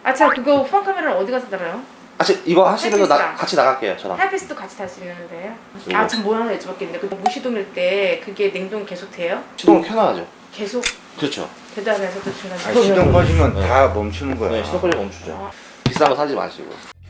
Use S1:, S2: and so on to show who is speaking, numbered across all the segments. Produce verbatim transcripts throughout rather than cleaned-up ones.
S1: 아, 자, 그거 후방 카메라는 어디 가서 달아요?
S2: 아, 저 이거 하시면서 나,
S1: 헬피스랑.
S2: 같이 나갈게요, 저랑.
S1: 하이패스도 같이 탈 수 있는데요?
S2: 이거.
S1: 아, 참 뭐 하나 여쭤봤겠는데 그 무시동일 때 그게 냉동 계속 돼요?
S2: 시동을 켜놔야죠.
S1: 계속
S2: 그렇죠.
S1: 대단해서도 중간에
S3: 아, 시동 꺼지면
S2: 네.
S3: 다 멈추는 거야.
S2: 네, 시동 꺼지 멈추죠.
S1: 어.
S2: 비싼 거 사지 마시고.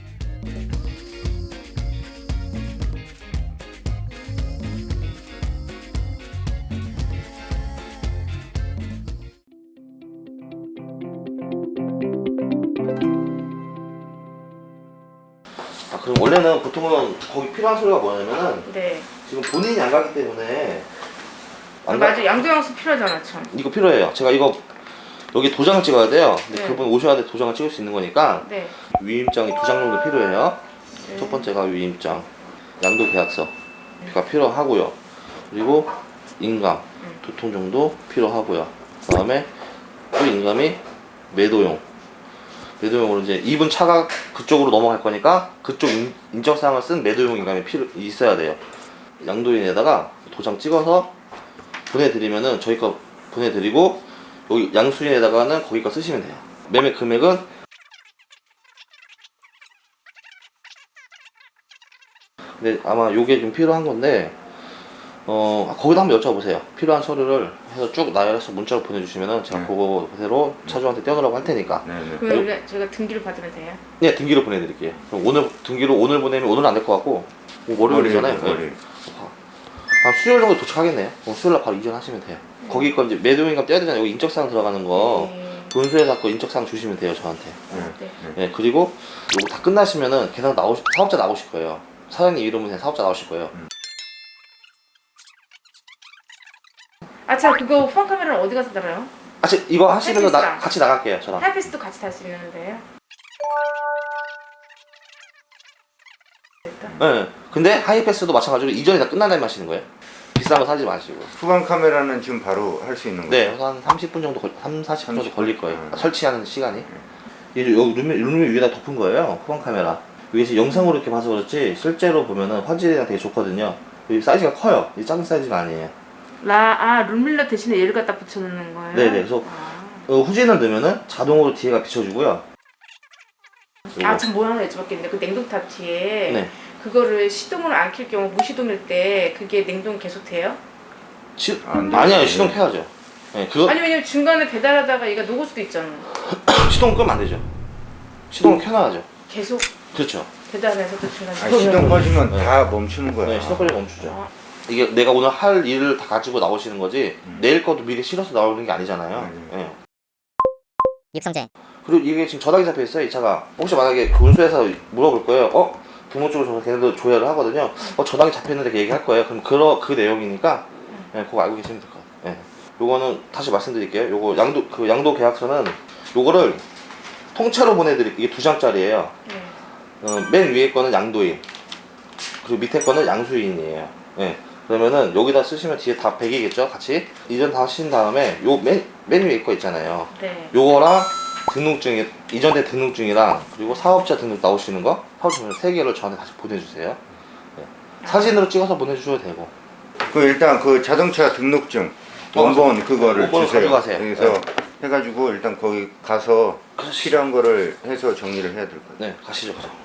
S2: 아, 그럼 원래는 보통은 거기 필요한 소리가 뭐냐면은
S1: 네.
S2: 지금 본인이 안 가기 때문에
S1: 아,
S2: 안 가-
S1: 맞아, 양도양수 필요하잖아 참.
S2: 이거 필요해요. 제가 이거 여기 도장을 찍어야 돼요. 근데
S1: 네.
S2: 그분 오셔야 돼 도장을 찍을 수 있는 거니까
S1: 네.
S2: 위임장이 두 장 정도 필요해요.
S1: 네.
S2: 첫 번째가 위임장, 양도 계약서가 필요하고요. 그리고 인감
S1: 음.
S2: 두 통 정도 필요하고요. 그 다음에 또 인감이 매도용. 매도용으로 이제 입은 차가 그쪽으로 넘어갈 거니까 그쪽 인, 인적사항을 쓴 매도용 인감이 필요 있어야 돼요. 양도인에다가 도장 찍어서 보내드리면은 저희 거 보내드리고 여기 양수인에다가는 거기 거 쓰시면 돼요. 매매 금액은 근데 아마 요게 좀 필요한 건데 어 거기다 한번 여쭤보세요. 필요한 서류를 해서 쭉 나열해서 문자로 보내주시면은 제가
S3: 네.
S2: 그거 그대로 차주한테 떼어놓으라고 할 테니까
S3: 네네.
S1: 그럼 원래 저희가 등기를 받으면 돼요?
S2: 네 등기로 보내드릴게요. 그럼 오늘 등기로 오늘 보내면 오늘은 안 될 것 같고 뭐 월요일이잖아요. 네.
S3: 월요일.
S2: 한 수요일 정도 도착하겠네요. 그럼 수요일날 바로 이전하시면 돼요.
S1: 네.
S2: 거기 거 이제 매도인감 떼야 되잖아요. 여기 인적사항 들어가는 거
S1: 네.
S2: 본수에서 그 인적사항 주시면 돼요 저한테.
S3: 네.
S1: 네.
S2: 네, 그리고 요거 다 끝나시면은 계속 나오 사업자 나오실 거예요. 사장님 이름은 그냥 사업자 나오실 거예요.
S1: 아, 자, 그거 후방 카메라는 어디 가서 달아요?
S2: 아, 저 이거 하시면서 나,
S1: 헬피스랑.
S2: 같이 나갈게요 저랑.
S1: 하이패스도 같이 탈 수 있는데요?
S2: 네. 근데 하이패스도 마찬가지로 이전이 다 끝난 다음에 하시는 거예요. 비싼 거 사지 마시고.
S3: 후방 카메라는 지금 바로 할 수 있는
S2: 네,
S3: 거예요?
S2: 한 삼십 분 정도 걸, 삼, 사십 분 정도
S3: 삼십
S2: 걸릴 거예요.
S3: 분.
S2: 설치하는 시간이. 이제 여기 룸, 룸 위에다 덮은 거예요. 후방 카메라. 이게 지금 영상으로 이렇게 봐서 그렇지 실제로 보면은 화질이랑 되게 좋거든요. 이 사이즈가 커요. 이 작은 사이즈가 아니에요.
S1: 라, 아, 룸밀러 대신에 얘를 갖다 붙여놓는 거예요?
S2: 네네. 그래서
S1: 아,
S2: 어, 후진을 넣으면은 자동으로 뒤에가 비춰주고요.
S1: 아, 참 뭐 하나 여쭤봤겠는데 그 냉동탑 뒤에
S2: 네.
S1: 그거를 시동을 안 켤 경우 무시동일 때 그게 냉동 계속 돼요?
S2: 시,
S3: 안 되죠.
S2: 아니요 시동 켜야죠. 네, 그거
S1: 아니 왜냐면 중간에 배달하다가 얘가 녹을 수도 있잖아.
S2: 시동 끄면 안 되죠. 시동을 켜놔야죠.
S1: 계속
S2: 그렇죠.
S1: 배달해서도 중간에.
S3: 아, 시동 꺼지면
S2: 네.
S3: 다 멈추는 거야.
S2: 네, 시동 꺼지 멈추죠.
S1: 아,
S2: 이게 내가 오늘 할 일을 다 가지고 나오시는 거지
S3: 음.
S2: 내일 것도 미리 실어서 나오는 게 아니잖아요.
S3: 음.
S2: 네.
S4: 육성재
S2: 그리고 이게 지금 전화기 잡혀 있어요 이 차가. 혹시 만약에 그 운수에서 물어볼 거예요. 어? 부모 쪽으로 줘서 걔네도 조회를 하거든요. 어 전화기 잡혔는데 그 얘기할 거예요. 그럼 그, 그 내용이니까 네, 그거 알고 계시면 될 것 같아요. 네. 요거는 다시 말씀드릴게요. 요거 양도 그 양도 계약서는 요거를 통째로 보내드릴 이게 두 장짜리예요.
S1: 네.
S2: 어, 맨 위에 거는 양도인 그리고 밑에 거는 양수인이에요. 네. 그러면은 여기다 쓰시면 뒤에 다 백이겠죠 같이. 이전 다 하신 다음에 요 맨 맨 위에 거 있잖아요.
S1: 네.
S2: 요거랑 등록증이 이전된 등록증이랑 그리고 사업자 등록 나오시는 거 사업자 등록 세 개를 저한테 다시 보내주세요. 네. 사진으로 찍어서 보내주셔도 되고.
S3: 그 일단 그 자동차 등록증
S2: 어,
S3: 원본 그거를
S2: 원본을
S3: 주세요.
S2: 가져가세요.
S3: 그래서
S2: 네.
S3: 해가지고 일단 거기 가서
S2: 그렇지.
S3: 필요한 거를 해서 정리를 해야 될 것 같아요.
S2: 네 가시죠 가죠.